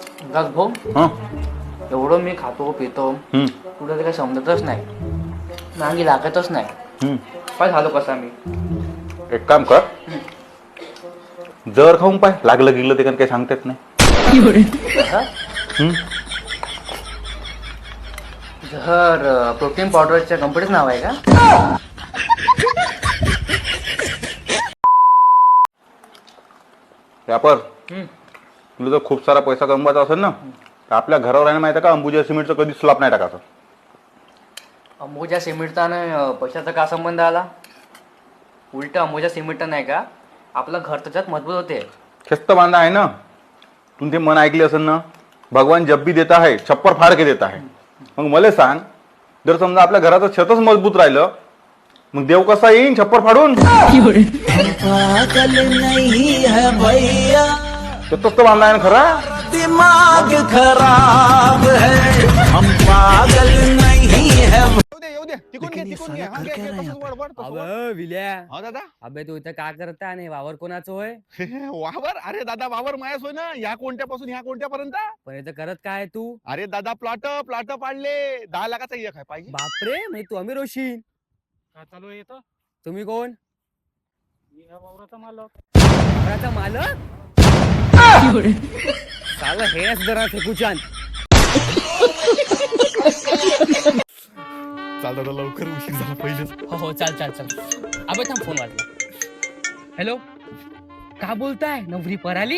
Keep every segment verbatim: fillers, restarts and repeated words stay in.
बस भाऊ हं एवढं मी खातो पितो हं, कुठं ते काही समजतच नाही मागे लागतच नाही हं. काय झालो कसा मी एक काम कर, जर खाऊन पाय लागलं गिगलं ते काही सांगता येत नाही. कसं? हं? जर प्रोटीन पावडरच्या कंपनीचं नाव आहे का? व्यापार हं. तुला जर खूप सारा पैसा कमवायचा असेल ना तर आपल्या घरावर आहे ना माहिती आहे का, अंबुजा सिमेंटचं कधी स्लॅब नाही टाकायचं. अंबुजा सिमेंटचा आणि पैशाचा का संबंध आला? उलट अंबुजा सिमेंट नाही का आपलं घर त्याच्यात मजबूत होते. खिस्त बांधा आहे ना, तुम्ही ते मन ऐकले असेल ना, भगवान जब भी देता है छप्पर फाड के देता है. मग मला सांग, जर समजा आपल्या घराचं छतच मजबूत राहिलं मग देव कसा येईन छप्पर फाडून? पागल नहीं है भैया, छतच तर बांधा आहे ना खरा. दिमाग खराब है, हम पागल नहीं है. येऊ दे तिकून घे तिकून घे हा, घे, घे, तसंच वळ, वळ, तसंच वळ. अबे विल्या हा दादा अबे तू इथं का करता आणि वावर कोणाचं होय? वावर अरे दादा वावर मायास होय ना, या कोणत्यापासून ह्या कोणत्यापर्यंत. पण इथं करत काय तू? अरे दादा प्लॉट प्लॉट पाडले दहा लाखाचा एक आहे पाहिजे. बापरे म्हणजे तू अमीर होशील. काय चालू आहे इथं? तुम्ही कोण? मी ह्या वावराचा मालक. घराचा मालक? साला हेच जरा फेकूचान. चाल दादा लवकर उशीर झाला पहिलेच. हो हो चाल चाल चाल. अबे थांब फोन वाजला. हॅलो का बोलताय? नवरी पराली?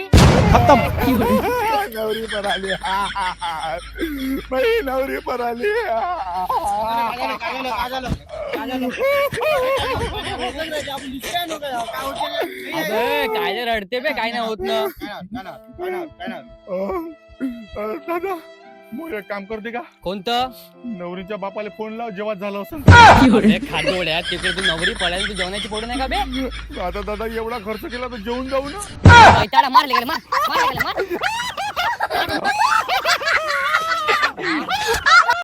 नवरी पर आली बाई, नवरी पर आली. अबे काय जे रडते बे, काय नाही होत ना. दादा मग एक काम करते का, कोणतं? नवरीच्या बापाला फोन लाव जेव्हा झालं असं. अबे खाजोड्या तिकडे तू नवरी पळायला तू जेवणाची पोड नाही का बे? आता दादा एवढा खर्च केला तर जेवून जाऊ ना. मारले गेले मार मारले गेले मार